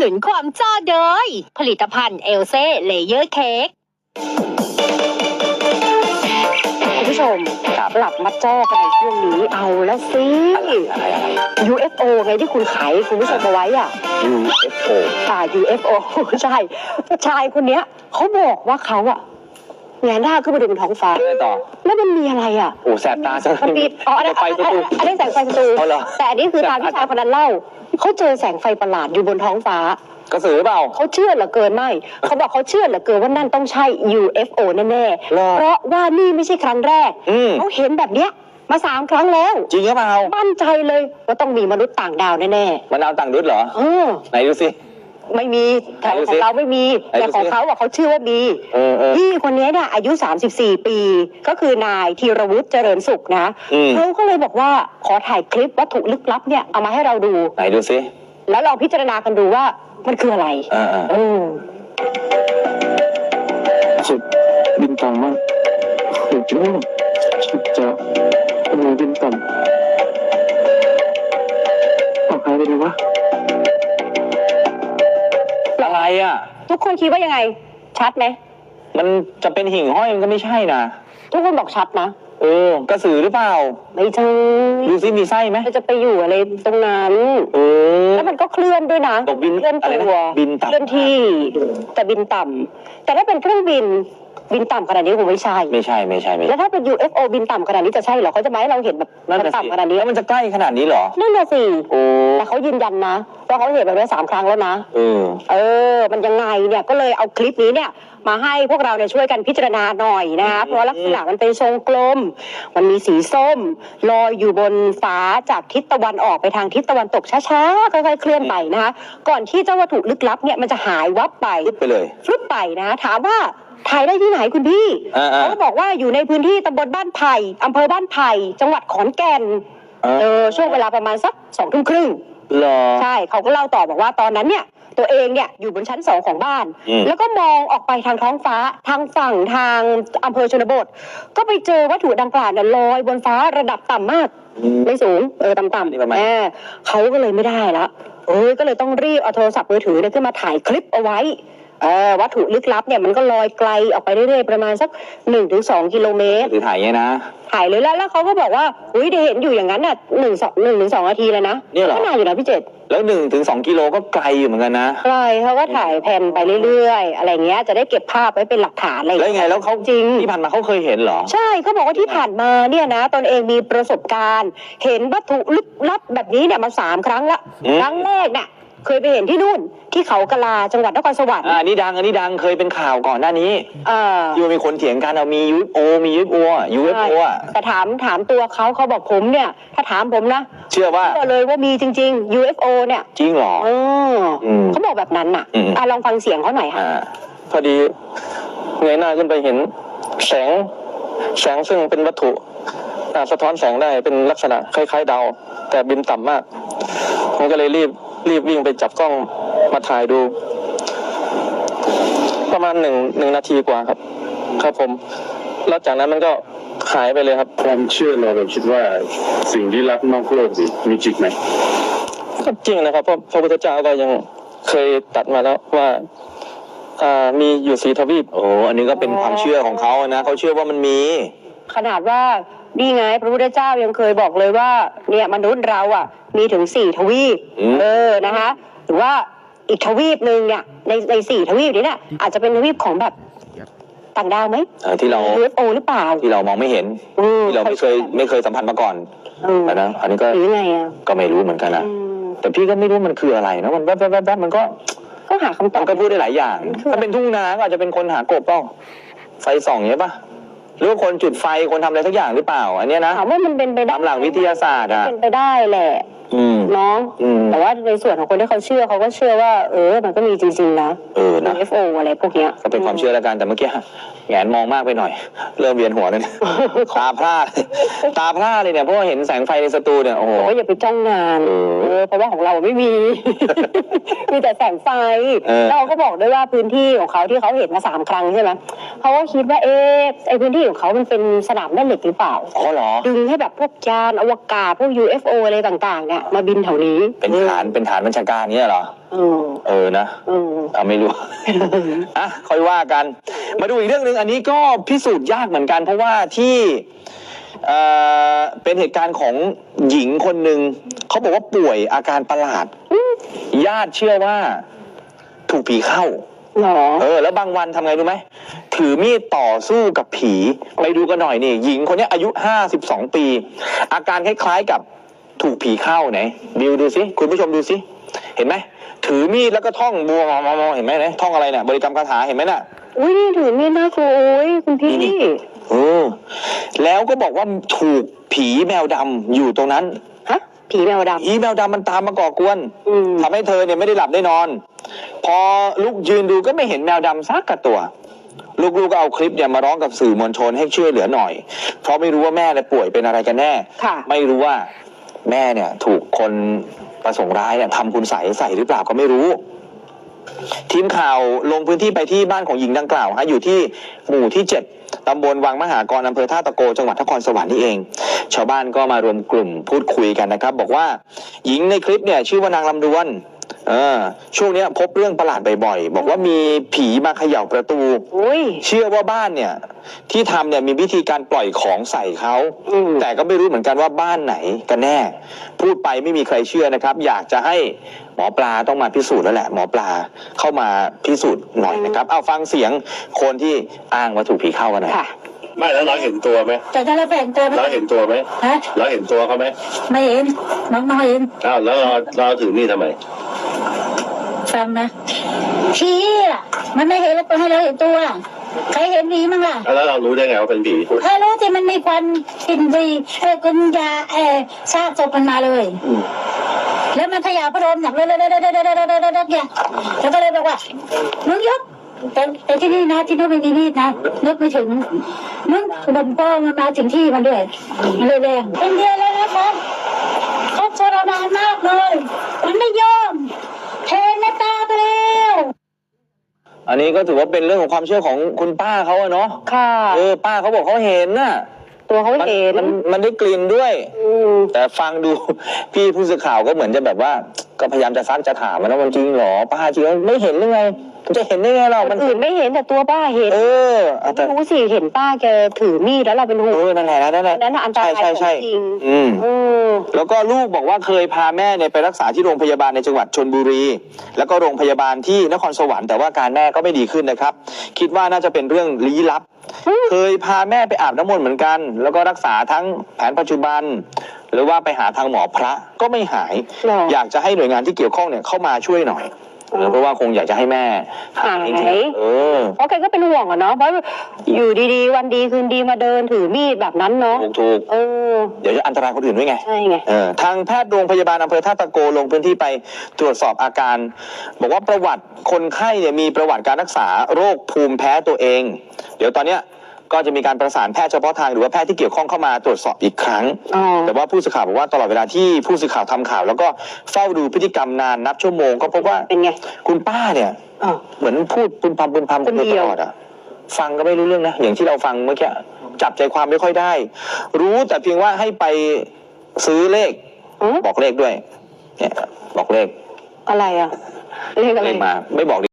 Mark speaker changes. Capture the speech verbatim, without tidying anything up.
Speaker 1: นุนความจ้าโดยผลิตภัณฑ์เอลเซ่เลเยอร์เค้กคุณผู้ชมกลับมาจ้อกันในช่วงนี้เอาแล้วสิ
Speaker 2: อะไรอะไร
Speaker 1: ยู เอฟ โอ ไงที่คุณขายคุณผู้ชมเอาไว้อ่ะ
Speaker 2: ยู เอฟ โอ
Speaker 1: อ่า ยู เอฟ โอ ใช่ชายคนเนี้ยเขาบอกว่าเขาอ่ะแงนหน้าขึ้นไปดูบนท้องฟ้า
Speaker 2: อะไรต่อ
Speaker 1: แล้วมันมีอะไรอ่ะ
Speaker 2: โอ้แสบตาจัง
Speaker 1: มันมีอ๋ออันนั้น
Speaker 2: ไฟประตู
Speaker 1: อันนี้แสงไฟประตู
Speaker 2: เอาเหรอ
Speaker 1: แต่อันนี้คือตามที่ชายคนนั้นเล่าเขาเจอแสงไฟประหลาดอยู่บนท้องฟ้าก
Speaker 2: ระสือเปล่า
Speaker 1: เขาเชื่อเหลือเกินไม่ เขาบอกเขาเชื่อเหลือเกินว่านั่นต้องใช่ ยู เอฟ โอ แน่ๆ เพราะว่านี่ไม่ใช่ครั้งแรก เขาเห็นแบบเนี้ยมาสามครั้งแล้ว
Speaker 2: จริงหรือเปล่า
Speaker 1: มั่นใจเลยว่าต้องมีมนุษย์ต่างดาวแน่
Speaker 2: ๆมนุษย์ต่างดาวเหรอ
Speaker 1: เออ
Speaker 2: ไหนดูสิ
Speaker 1: ไม่มีแถวของเราไม่มีแต่ของเขาอะเขาเชื่อว่ามีพี่คนนี้เนี่ยอายุสามสิบสี่ปีก็คือนายธีรวุฒิเจริญสุขนะเขาก็เลยบอกว่าขอถ่ายคลิปวัตถุลึกลับเนี่ยเอามาให้เราดู
Speaker 2: ไหนดูสิ
Speaker 1: แล้วลองพิจารณากันดูว่ามันคืออะไร
Speaker 2: อ่า
Speaker 1: อืม
Speaker 3: สุดบินต่ำมากสุดยอดสุดจะทำไมบินต่ำเอาหายไปเลยวะ
Speaker 2: อะไรอ่ะ
Speaker 1: ทุกคนคิดว่ายังไงชัดไหม
Speaker 2: มันจะเป็นหิ่งห้อยมันก็ไม่ใช่นะ
Speaker 1: ทุกคนบอกชัดนะ
Speaker 2: เออกระสือหรือเปล่า
Speaker 1: ไม่ใช่
Speaker 2: ดูซิมีไส้ไหม
Speaker 1: จะไปอยู่อะไรตรงนั้น
Speaker 2: เออ
Speaker 1: แล้วมันก็เคลื่อนด้วยนะ
Speaker 2: บิน
Speaker 1: เคลื่อนตัว
Speaker 2: บินต่ำ
Speaker 1: เคลื่อนที่แต่บินต่ำแต่ถ้าเป็นเครื่องบินบินต่ำขนาดนี้คงไม่ใช่
Speaker 2: ไม่ใช่ไม่ใช่
Speaker 1: แล้วถ้าเป็น ยู เอฟ โอ บินต่ำขนาดนี้จะใช่เหรอเขาจะมาให้เราเห็นแบบต่ำขนาดนี้
Speaker 2: แล้วมันจะใกล้ขนาดนี้เหรอ
Speaker 1: นั่นน่ะสิ
Speaker 2: โอ้
Speaker 1: แต่เขายืนยันนะว่าเขาเห็นแบบนี้สามครั้งแล้วนะ
Speaker 2: เออ
Speaker 1: เออมันยังไงเนี่ยก็เลยเอาคลิปนี้เนี่ยมาให้พวกเราเนี่ยช่วยกันพิจารณาหน่อยนะคะเพราะลักษณะมันเป็นทรงกลมมันมีสีส้มลอยอยู่บนฟ้าจากทิศตะวันออกไปทางทิศตะวันตกช้าๆค่อยๆเคลื่อนไปนะคะก่อนที่เจ้าวัตถุลึกลับเนี่ยมันจะหายวับไป
Speaker 2: ฟลุปไปเลย
Speaker 1: ฟลุปไปนะถามว่าถ่ายได้ที่ไหนคุณพี่เขาก็บอกว่าอยู่ในพื้นที่ตำบลบ้านไผ่อำเภอบ้านไผ่จังหวัดขอนแก่นเออช่วงเวลาประมาณสักสองทุ่มครึ่งใช่เขาก็เล่าต่อบอกว่าตอนนั้นเนี่ยตัวเองเนี่ยอยู่บนชั้นสองของบ้านแล้วก็มองออกไปทางท้องฟ้าทางฝั่งทางอำเภอชนบทก็ไปเจอวัตถุดังกล่าวเนี่ยลอยบนฟ้าระดับต่ำมากไม่สูงเออต่ำๆแอบเขาก็เลยไม่ได้แล้วเออก็เลยต้องรีบเอาโทรศัพท์มือถือเนี่ยขึ้นมาถ่ายคลิปเอาไว้เออวัตถุลึกลับเนี่ยมันก็ลอยไกลออกไปเรื่อยๆประมาณสักหนึ่งถึงสองกิโลเมตร
Speaker 2: ถือถ่ายไงนะ
Speaker 1: ถ่ายเลยแล้วแล้วเขาก็บอกว่าอุ้ยได้เห็นอยู่อย่างนั้นน่ะหนึ่งสองหนึ่งถึงสองนาทีเลยนะ
Speaker 2: เนี่ยเหรอ
Speaker 1: ก็นานอยู่นะพี่เจษ
Speaker 2: แล้วหนึ่งถึงสองกิโลก็ไกลอยู่เหมือนกันนะ
Speaker 1: ไกลเขาก็ถ่ายแผ่นไปเรื่อยๆอะไรเงี้ยจะได้เก็บภาพไว้เป็นหลักฐานอะไร
Speaker 2: แล้วไงแล้วเขา
Speaker 1: จริง
Speaker 2: ที่ผ่านมาเขาเคยเห็นเหรอ
Speaker 1: ใช่เขาบอกว่าที่ผ่านมาเนี่ยนะตนเองมีประสบการณ์เห็นวัตถุลึกลับแบบนี้เนี่ยมาสามครั้งละครั้งแรกเนี่ยเคยไปเห็นที่นู่นที่เขากะลาจังหวัดนครสวรรค์
Speaker 2: อ่านี่ดังอันนี้ดังเคยเป็นข่าวก่อนหน้านี้
Speaker 1: เออ
Speaker 2: ที่มันมีคนเถียงกันเอามี ยู เอฟ โอ มี ยู เอฟ โอ ยู เอฟ โอ อ่ะ
Speaker 1: แต่ถามถามตัวเขาเขาบอกผมเนี่ยถ้าถามผมนะ
Speaker 2: เชื่อว่า
Speaker 1: เชื่อเลยว่ามีจริงๆ ยู เอฟ โอ เนี่ย
Speaker 2: จริงเหรอ
Speaker 1: เออเขาบอกแบบนั้นน่ะอ่ะลองฟังเสียงเขาหน่อยค่ะ
Speaker 3: พอดีเงยหน้าขึ้นไปเห็นแสงแสงซึ่งเป็นวัตถุสะท้อนแสงได้เป็นลักษณะคล้ายๆดาวแต่บินต่ำมากผมก็เลยรีบรีบวิ่งไปจับกล้องมาถ่ายดูประมาณหนึ่งหนึ่งนาทีกว่าครับครับผมแล้วจากนั้นมันก็หายไปเลยครับ
Speaker 4: ความเชื่อเราเราคิดว่าสิ่งที่ลับนอกโลกนี่มีจริงไหม
Speaker 3: ก็จริงนะครับเพราะพระพุทธเจ้าก็ยังเคยตรัสมาแล้วว่าอ่ามีอยู่สีทวีป
Speaker 2: โอ้อันนี้ก็เป็นความเชื่อของเขานะเขาเชื่อว่ามันมี
Speaker 1: ขนาดว่านี่ไงพระพุทธเจ้ายังเคยบอกเลยว่าเนี่ยมนุษย์เราอ่ะมีถึงสี่ทวีปเออนะคะหรือว่าอีกทวีปหนึ่งเนี่ยในในสี่ทวีปนี้เนี่ยอาจจะเป็นทวีปของแบบต่างดาวไหม
Speaker 2: ที่เรา
Speaker 1: ยู เอฟ โอ หรือเปล่า
Speaker 2: ที่เรามองไม่เห็นที่เราไม่เคยไม่เคยสัมผัสมาก่อนนะอันนี้ก็
Speaker 1: หรือไงอ่ะ
Speaker 2: ก็ไม่รู้เหมือนกันนะแต่พี่ก็ไม่รู้มันคืออะไรนะมันแวบแวบแวบมันก็
Speaker 1: ก็หาคำตอบ
Speaker 2: ก็พูดได้หลายอย่างถ้าเป็นทุ่งนาก็อาจจะเป็นคนหากบเปล่าไฟส่องอย่างนี้ป่ะหรือคนจุดไฟคนทำอะไรสักอย่างหรือเปล่าอันนี้นะ
Speaker 1: ถามว่ามันเป็นไปได้
Speaker 2: ตามหลักวิทยาศาสตร์อ่ะ
Speaker 1: เป็นไปได้แหละเนาะแต่ว่าในส่วนของคนที่เขาเชื่อเขาก็เชื่อว่าเออมันก็มีจริงๆนะ
Speaker 2: เออนะ
Speaker 1: ยู เอฟ โอ อะไรพวกเนี้ย
Speaker 2: ก็เป็นความเชื่อแล้วกันแต่เมื่อกี้แหงนมองมากไปหน่อยเริ่มเวียนหัวเลยตาพร่าตาพร่าเลยเนี่ยเพราะว่าเห็นแสงไฟในสตูเนี่ยโอ้โห
Speaker 1: อย่าไปจ้องนานเออเพราะว่าของเราไม่มีมีแต่แสงไฟแล้วเขาก็บอกด้วยว่าพื้นที่ของเขาที่เขาเห็นมาสามครั้งใช่ไหมเขาก็คิดว่าเออไอพื้นที่ของเขามันเป็นสนามแม่เหล็กหรือเปล่า
Speaker 2: อ๋อเหรอ
Speaker 1: ดึงให้แบบพวกยานอวกาศพวก ยู เอฟ โอ อะไรต่างๆเนี่ยมาบินแถวนี้
Speaker 2: เป็นฐานเป็นฐานบัญชาการเนี้ยเหรอ
Speaker 1: เออ
Speaker 2: เออนะ
Speaker 1: เออ
Speaker 2: เอาไม่รู้ อ่ะค่อยว่ากัน มาดูอีกเรื่องหนึ่งอันนี้ก็พิสูจน์ยากเหมือนกัน เพราะว่าที่เอ่อเป็นเหตุการณ์ของหญิงคนหนึ่งเขาบอกว่าป่วยอาการประหลาด ญาติเชื่อว่าถูกผีเข้า
Speaker 1: หรอ
Speaker 2: เออแล้วบางวันทำไงรู้ไหมถือมีดต่อสู้กับผีไปดูกันหน่อยนี่หญิงคนนี้อายุห้าสิบสองปี อาการคล้ายๆกับถูกผีเข้าไหนบิวดูสิคุณผู้ชมดูสิเห็นไหมถือมีดแล้วก็ท่องบัวมอมอเห็นไหมเนี่ยท่องอะไรเนี่ยบริกรรมคาถาเห็นไหมน่ะ
Speaker 1: อุ้ยนี่ถือมีดน่ากลัวโอ้ยคุณพี่
Speaker 2: เออแล้วก็บอกว่าถูกผีแมวดำอยู่ตรงนั้น
Speaker 1: ฮะผีแมวด
Speaker 2: ผีแมวดำมันตามมาก่อกวน
Speaker 1: ำอืม
Speaker 2: ทำให้เธอเนี่ยไม่ได้หลับได้นอน พอลุกยืนดูก็ไม่เห็นแมวดำสักกระตัว ลูกๆก็เอาคลิปเนี่ยมาร้องกับสื่อมวลชนให้ช่วยเหลือหน่อย เพราะไม่รู้ว่าแม่เนี่ยป่วยเป็นอะไรกันแน่
Speaker 1: ค่ะ
Speaker 2: ไม่รู้ว่าแม่เนี่ยถูกคนประสงค์ร้ายเนี่ยทำคุณใส่ใส่หรือเปล่าก็ไม่รู้ ทีมข่าวลงพื้นที่ไปที่บ้านของหญิงดังกล่าวฮะอยู่ที่หมู่ที่เจ็ดตำบลวังมหากรอำเภอท่าตะโกจังหวัดนครสวรรค์นี่เอง ชาวบ้านก็มารวมกลุ่มพูดคุยกันนะครับ บอกว่าหญิงในคลิปเนี่ยชื่อว่านางลำดวนเออช่วงเนี้ยพบเรื่องประหลาดบ่อยๆบอกว่ามีผีมาเขย่าประตู
Speaker 1: อุ้ย
Speaker 2: เชื่อว่าบ้านเนี่ยที่ทำเนี่ยมีวิธีการปล่อยของใส่เขา
Speaker 1: อืม
Speaker 2: แต่ก็ไม่รู้เหมือนกันว่าบ้านไหนกันแน่ พูดไปไม่มีใครเชื่อนะครับ อยากจะให้หมอปลาต้องมาพิสูจน์แล้วแหละหมอปลาเข้ามาพิสูจน์หน่อยนะครับ เอาฟังเสียงคนที่อ้างว่าถูกผีเข้ากันหน่อย
Speaker 1: ค่ะ
Speaker 4: ไม่แล้วเราเห็นตัวไหม
Speaker 5: แต่ถ้าเราแบ่งตัวไม่
Speaker 4: เราเห็นตัวไหม
Speaker 5: ฮะ
Speaker 4: เราเห็นตัวเขาไหม
Speaker 5: ไม่เห็นน้องน้อยเห็น
Speaker 4: อ้าวแล้วเราเราถือมีดทำไม
Speaker 5: ฟังนะผีอ่ะมันไม่เห็นแล้วตัวให้เราเห็นตัวใครเห็นผีมั้งล่ะ
Speaker 4: แล้วเรารู้ได้ไงว่าเป็นผี
Speaker 5: ใครรู้ที่มันมีควันกลิ่นวีเออกุญยาเออซากศพมันมาเลย แล้วมันขยาพัดลมหนักเลยเลยเลยเลยเลยเลยเลยเนี่ยแล้วก็เลยบอกว่ามึงยกแต่แต่ที่นี่นะที่นู้นไม่มีมีดนะนึกไม่ถึงมึงบนป้องมันมาถึงที่มันด้วยมันเลยแรงเป็นเดือนแล้วนะคะเขาทรมานมากเลยมันไม่ยอมเทในตาไปแล้ว
Speaker 2: อันนี้ก็ถือว่าเป็นเรื่องของความเชื่อของคุณป้าเขาอะเนาะ
Speaker 1: ค่ะ
Speaker 2: เออป้าเขาบอกเขาเห็นน่ะ
Speaker 1: ตัวเขา
Speaker 2: มัน
Speaker 1: เห็น
Speaker 2: มันมันได้กลิ่นด้วย
Speaker 1: อืม
Speaker 2: แต่ฟังดู พี่ผู้สื่อข่าวก็เหมือนจะแบบว่า ก็พยายามจะซักจะถามมันว่ามันจริงเหรอป้าจริงแล้วไม่เห็นหรือไงมันจะเห็นได้ไงเรา
Speaker 1: ค
Speaker 2: มัน
Speaker 1: นอื่นไม่เห็นแต่ตัวป้าเห็น
Speaker 2: เออเอาแต่
Speaker 1: ไม่รู้สิเห็นป้าแกถือมีดแล้วเราเป็นห่ว
Speaker 2: เอง อนั่นแหละนั่นแหละ
Speaker 1: นั่นน่ะอันตราย
Speaker 2: ใช่ใช่
Speaker 1: ของจริง
Speaker 2: อืม
Speaker 1: อืม
Speaker 2: แล้วก็ลูกบอกว่าเคยพาแม่เนี่ยไปรักษาที่โรงพยาบาลในจังหวัดชลบุรี แล้วก็โรงพยาบาลที่นครสวรรค์แต่ว่าการแม่ก็ไม่ดีขึ้นนะครับ คิดว่าน่าจะเป็นเรื่องลี้ลับ เคยพาแม่ไปอาบน้ำมนต์เหมือนกัน แล้วก็รักษาทั้งแผนปัจจุบัน หรือว่าไปหาทางหมอพระก็ไม่หาย
Speaker 1: หรอ
Speaker 2: อยากจะให้หน่วยงานที่เกี่ยวข้องเนี่ยเข้ามาช่วยหน่อยเออเพราะว่าคงอยากจะให้แม่หายจริง
Speaker 1: หาย
Speaker 2: ๆเออ
Speaker 1: เพราะแกก็เป็นห่วงอะเนาะเพราะอยู่ดีๆ วันดีคืนดีมาเดินถือมีดแบบนั้นเนาะ
Speaker 2: ถูกถูก
Speaker 1: เออ
Speaker 2: เดี๋ยวจะอันตรายคนอื่นด้วยไง
Speaker 1: ใช่ไง
Speaker 2: เออทางแพทย์โรงพยาบาลอำเภอท่าตะโกลงพื้นที่ไปตรวจสอบอาการ บอกว่าประวัติคนไข้เนี่ยมีประวัติการรักษาโรคภูมิแพ้ตัวเอง เดี๋ยวตอนเนี้ยก็จะมีการประสานแพทย์เฉพาะทางหรือว่าแพทย์ที่เกี่ยวข้องเข้ามาตรวจสอบอีกครั้ง
Speaker 1: อ๋อ
Speaker 2: แต่ว่าผู้สื่อข่าวบอกว่าตลอดเวลาที่ผู้สื่อข่าวทำข่าว แล้วก็เฝ้าดูพฤติกรรมนานนับชั่วโมงก็พบว่า
Speaker 1: เป็นไง
Speaker 2: คุณป้าเนี่ย
Speaker 1: อ๋อ
Speaker 2: เหมือนพูดปุนพำปุนพำ
Speaker 1: คนเดียว
Speaker 2: ตลอดอะฟังก็ไม่รู้เรื่องนะอย่างที่เราฟังเมื่อกี้จับใจความไม่ค่อยได้ รู้แต่เพียงว่าให้ไปซื้อเลข
Speaker 1: อืม
Speaker 2: บอกเลขด้วย เนี่ยบอกเลข
Speaker 1: อะไรอะเลขอะไร
Speaker 2: เลขมาไม่บอก